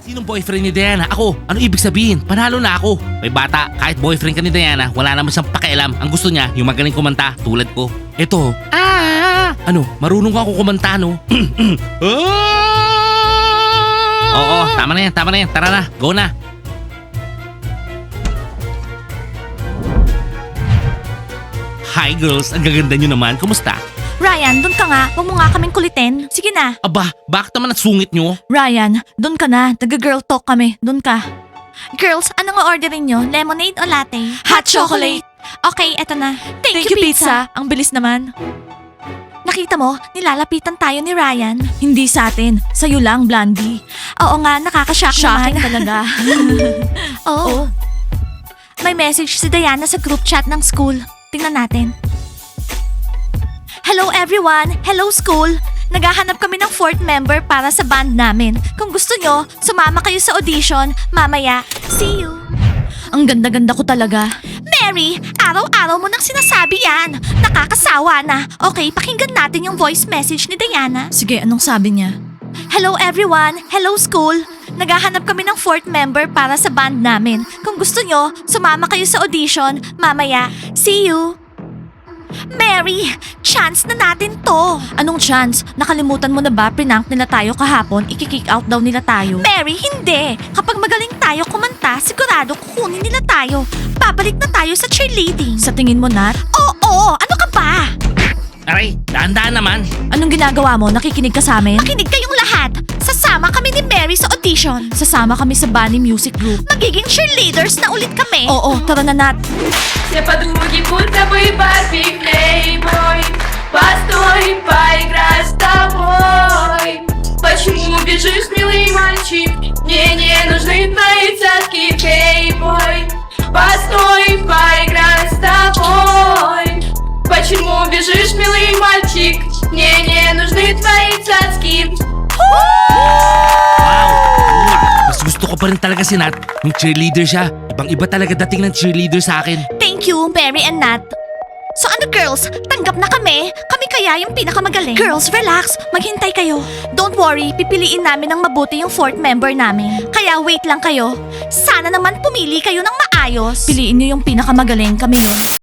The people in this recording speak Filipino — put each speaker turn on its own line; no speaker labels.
Sinong boyfriend ni Diana? Ako. Ano ibig sabihin? Panalo na ako. May bata, kahit boyfriend ka ni Diana, wala naman siyang pakialam. Ang gusto niya, yung magaling kumanta, tulad ko. Eto. Ano, marunong ako kumanta, no? Oo, tama na yan, tama na yan. Tara na, go na. Hi girls, ang gaganda nyo naman. Kumusta?
Ryan, doon ka nga. Huwag mo nga kaming kulitin. Sige na.
Aba, bakit naman ang sungit nyo?
Ryan, doon ka na. Nag-girl talk kami. Doon ka. Girls, anong o-orderin nyo? Lemonade o latte? Hot chocolate. Okay, eto na. Thank you, pizza. Ang bilis naman. Nakita mo, nilalapitan tayo ni Ryan. Hindi sa atin. Sa'yo lang, Blondie. Oo nga, nakakashock naman.
Shocking talaga.
Oo. May message si Diana sa group chat ng school. Tingnan natin. Hello everyone! Hello school! Naghahanap kami ng fourth member para sa band namin. Kung gusto nyo, sumama kayo sa audition. Mamaya, see you!
Ang ganda-ganda ko talaga.
Mary, araw-araw mo nang sinasabi yan. Nakakasawa na. Okay, pakinggan natin yung voice message ni Diana.
Sige, anong sabi niya?
Hello everyone! Hello school! Naghahanap kami ng fourth member para sa band namin. Kung gusto nyo, sumama kayo sa audition. Mamaya, see you! Mary, chance na natin to.
Anong chance? Nakalimutan mo na ba prank nila tayo kahapon? Iki-kick out daw nila tayo.
Mary, hindi. Kapag magaling tayo kumanta, sigurado kukunin nila tayo. Babalik na tayo sa cheerleading.
Sa tingin mo, Nat?
Oo, ano ka ba?
Aray, dahan-dahan naman.
Anong ginagawa mo? Nakikinig ka sa amin?
Makinig kayong lahat. Sasama kami ni Mary sa audition.
Sasama kami sa Bunny Music Group.
Magiging cheerleaders na ulit kami.
Oo, tara na, Nat.
Все подруги, будто бы Барби Плейбой. Постой, поиграй с тобой. Почему бежишь, милый мальчик? Мне не нужны твои цацки, Плейбой. Постой, поиграй с тобой. Почему бежишь, милый мальчик? Мне не нужны твои цацки.
Wow! Mas gusto ko pa rin talaga si Nat. Yung cheerleader siya. Ibang-iba talaga dating ng cheerleader sa akin.
Thank you, Mary and Nat. So ano girls, tanggap na kami? Kami kaya yung pinakamagaling? Girls, relax. Maghintay kayo. Don't worry, pipiliin namin ng mabuti yung fourth member namin. Kaya wait lang kayo. Sana naman pumili kayo ng maayos.
Piliin niyo yung pinakamagaling, kami yun.